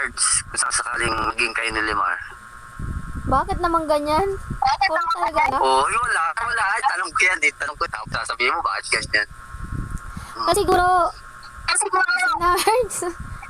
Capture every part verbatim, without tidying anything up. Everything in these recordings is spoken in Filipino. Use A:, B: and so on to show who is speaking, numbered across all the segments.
A: Marge, kung sakaling maging kayo ni Limar.
B: Bakit naman ganyan? Kung talaga na?
A: Oo, oh, wala, wala. Ay, tanong ko yan, eh. Tanong ko, tapos sasabihin mo, bakit ganyan?
B: Kasi siguro,
C: Kasi siguro,
B: si Nards.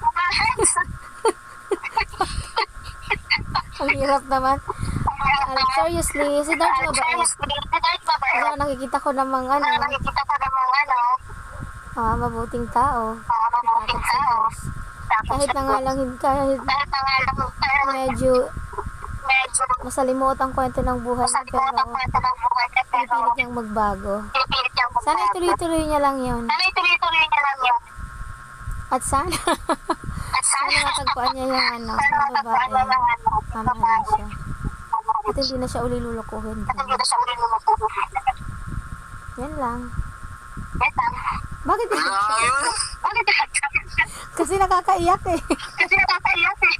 B: Ang hirap naman. Uh, seriously, si Nards ba ba? Kasi nakikita ko namang ano,
C: nakikita ko namang ano,
B: ah, mabuting tao.
C: ah, mabuting
B: Takot sa
C: tao.
B: Diyos. Kahit na nga lang, hindi- kahit
C: Kahit na nga lang, kahit
B: medyo
C: medyo
B: masalimuot ang kwento ng buhay niya,
C: masalimuot ang
B: pero
C: kwento ng buhay niya, pero
B: pinipilit niyang magbago.
C: pinipilit niyang magbago.
B: Sana ituloy-tuloy niya lang yun.
C: Sana ituloy-tuloy niya lang yun.
B: At sana,
C: At
B: sana
C: sana,
B: matagpuan niya yung ano,
C: sana
B: yung
C: matagpuan niya
B: babae.
C: yung ano,
B: Mamahalin
C: babae.
B: siya. At hindi na siya uli lulukuhin.
C: At hindi na siya uli lumukuhin.
B: Yan lang.
C: Yes, ah.
B: Bakit?
A: Wala yun.
C: Bakit
B: Kasi nakakaiyak eh.
C: Kasi nakakaiyak eh.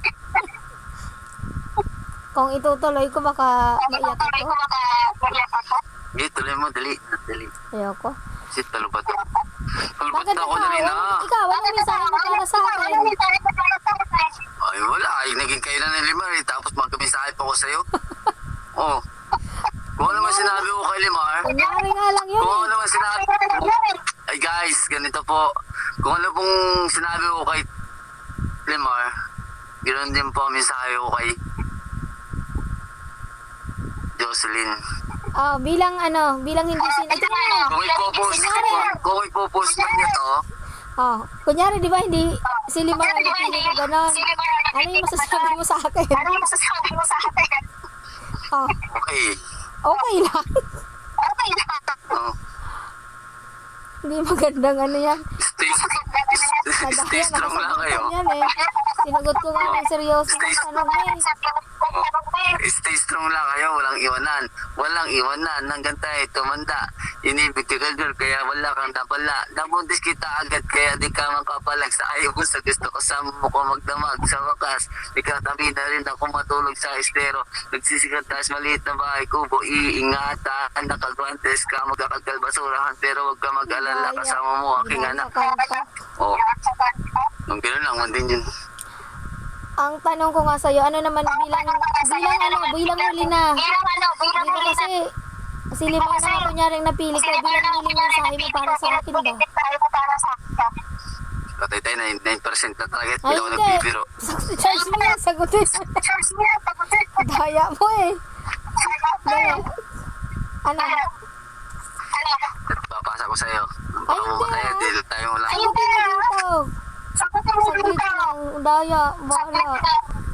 B: Kung itutuloy ko, baka maiyak
C: Tuloy ko
B: ako.
C: baka maiyak ako.
A: Hindi, tuloy mo, dali. Dali.
B: Ayoko.
A: Kasi talubat ako. Talubat
B: Bakit
A: na ako,
B: ikaw?
A: dali na.
B: Ikaw, anong mensahe mo para sa akin?
A: Ay, wala. Ay, naging kayo na ni Limar, eh. Tapos magkamisahe pa ko sa'yo. Oo. Kung ano naman sinabi ko kay Limar,
B: Kunyari nga lang yun
A: kung ano
B: eh.
A: naman sinabi ay guys, ganito po. Kung ano pong sinabi ko kay Limar, ganoon din po ang mensahe ko kay Jocelyn.
B: Oh, bilang ano, bilang hindi sin... Ito na.
A: Kung ipopost, kung, kung ipopost man niya to,
B: Oh, kunyari, di ba, hindi si Limar ang napili ko gano'n. Ano yung masasabi mo sa akin?
C: Ano yung masasabi mo sa akin?
B: Oh,
A: okay.
B: okay lang.
C: Okay na.
A: Oh,
B: Hindi magandang ano yan.
A: stay, stay
B: Nadakya,
A: strong lang kayo.
B: yan eh. Sinagot ko nga ng seryoso ng tanong eh.
A: Stay strong lang kayo, walang iwanan. Walang iwanan hanggang tayo tumanda. Inibig ka girl, kaya wala kang napala. Nabuntis kita agad, kaya di ka makapalag sa ayaw ko sa gusto ko sa mo ko magdamag. Sa wakas, di ka tabi na rin ako matulog sa estero. Nagsisikat taas maliit na bahay kubo, iingatan. Nakagwantes ka, magkakagal basurahan, pero wag ka mag-alala, kasama mo aking anak. Oh, nung gano'n lang, man din yun.
B: Ang tanong ko nga sa'yo, ano naman bilang, bilang ano, bilang huli na.
C: Bilang ano, bilang
B: Di ba
C: huli na.
B: kasi, si Limar na kunyaring napili ko, bilang huling mensahe mo para sa akin ba?
C: Mensahe mo para sa akin.
A: Patay tayo, nine percent na talaga.
B: Ay,
A: Hindi ako
B: hindi.
A: nagbibiro.
B: Charge mo yan, sagutin.
C: Charge mo yan, pagutin.
B: Daya mo eh. Dali. Ano?
C: Ano?
A: Papasa ko sa'yo.
B: Ay,
A: Baka mo
B: hindi,
A: mataya,
B: ah.
A: dito tayo lang.
B: Sagutin mo dito.
C: Sagutin mo
B: Saglit
C: dito.
B: lang. Daya, bahala.